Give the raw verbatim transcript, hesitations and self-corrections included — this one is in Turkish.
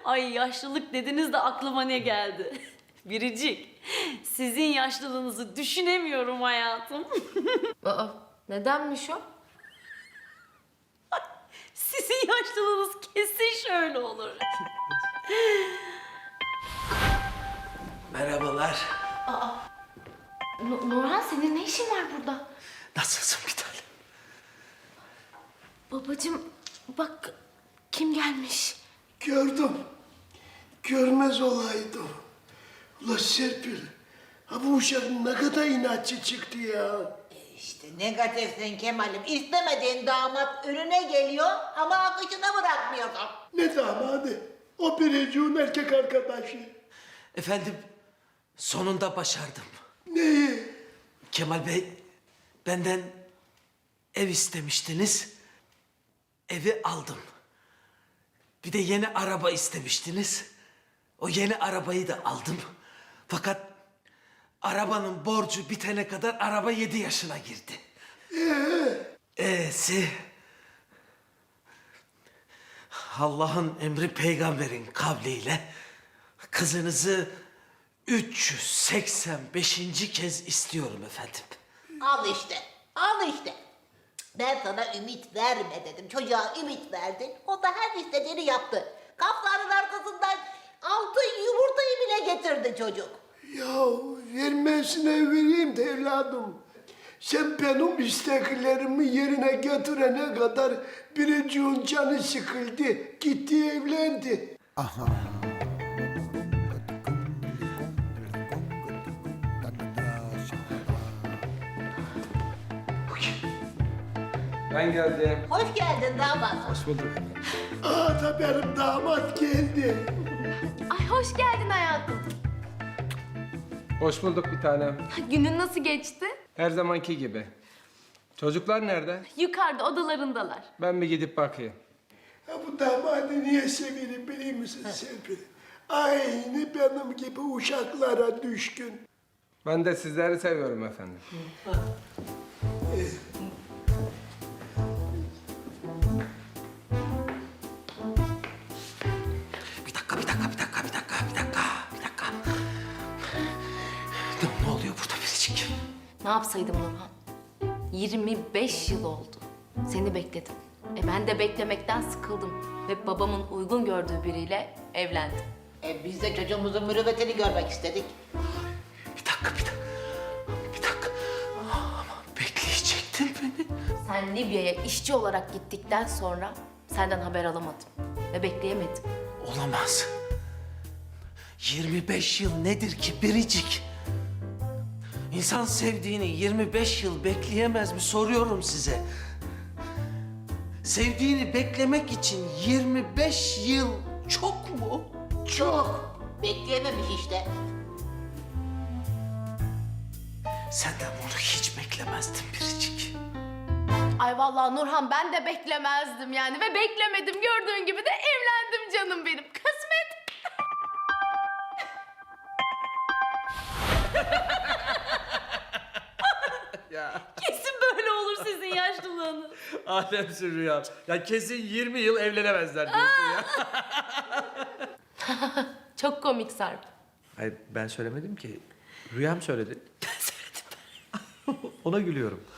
Ay yaşlılık dediniz de aklıma ne geldi? Biricik, sizin yaşlılığınızı düşünemiyorum hayatım. Aa, nedenmiş o? Sizin yaşlılığınız kesin şöyle olur. Merhabalar. N- Nurhan senin ne işin var burada? Nasılsın bir tane? Babacığım bak kim gelmiş? Gördüm. Görmez olaydım. Ula Serpil, ha bu uşak ne kadar inatçı çıktı ya. İşte negatifsin Kemal'im. İstemediğin damat önüne geliyor ama akışına bırakmıyorsun. Ne damadı? O biriciğin erkek arkadaşı. Efendim, sonunda başardım. Neyi? Kemal Bey, benden ev istemiştiniz. Evi aldım. Bir de yeni araba istemiştiniz. O yeni arabayı da aldım. Fakat arabanın borcu bitene kadar araba yedi yaşına girdi. Ee? E'si... Allah'ın emri peygamberin kavliyle kızınızı üç yüz seksen beşinci kez istiyorum efendim. Al işte, al işte. Ben sana ümit verme dedim. Çocuğa ümit verdin. O da her istediğini yaptı. Kafların arkasından altın yumurtayı bile getirdi çocuk. Ya vermesine vereyim de evladım. Sen benim isteklerimi yerine götürene kadar biriciğin canı sıkıldı. Gitti evlendi. Ben geldim. Hoş geldin damat. Hoş bulduk. Aa da benim damat geldi. Ay hoş geldin hayatım. Hoş bulduk bir tanem. Günün nasıl geçti? Her zamanki gibi. Çocuklar nerede? Yukarıda odalarındalar. Ben bir gidip bakayım. Ha bu damadı niye severim biliyor musun Serpil? Aynı benim gibi uşaklara düşkün. Ben de sizleri seviyorum efendim. Bir dakika, bir dakika, bir dakika, bir dakika, bir dakika, bir dakika. Ne, ne oluyor burada biricik? Ne yapsaydım Nurhan? yirmi beş yıl oldu. Seni bekledim. E ben de beklemekten sıkıldım. Ve babamın uygun gördüğü biriyle evlendim. E biz de çocuğumuzun mürüvvetini görmek istedik. Bir dakika, bir dakika. Bir dakika. Ama bekleyecektin beni. Sen Libya'ya işçi olarak gittikten sonra senden haber alamadım. Ve bekleyemedim. Olamaz. yirmi beş yıl nedir ki biricik? İnsan sevdiğini yirmi beş yıl bekleyemez mi soruyorum size. Sevdiğini beklemek için yirmi beş yıl çok mu? Çok. Bekleyememiş işte. Senden bunu hiç beklemezdim biricik. Ay vallahi Nurhan ben de beklemezdim yani. Ve beklemedim. Gördüğün gibi de evlendim canım benim. Kısmet. Kesin böyle olur sizin yaşlılığınız. Alemsin Rüya. Ya kesin yirmi yıl evlenemezler diyorsun ya. Çok komik Sarp. Hayır ben söylemedim ki. Rüyam söyledi. Ben söyledim ben. Ona gülüyorum.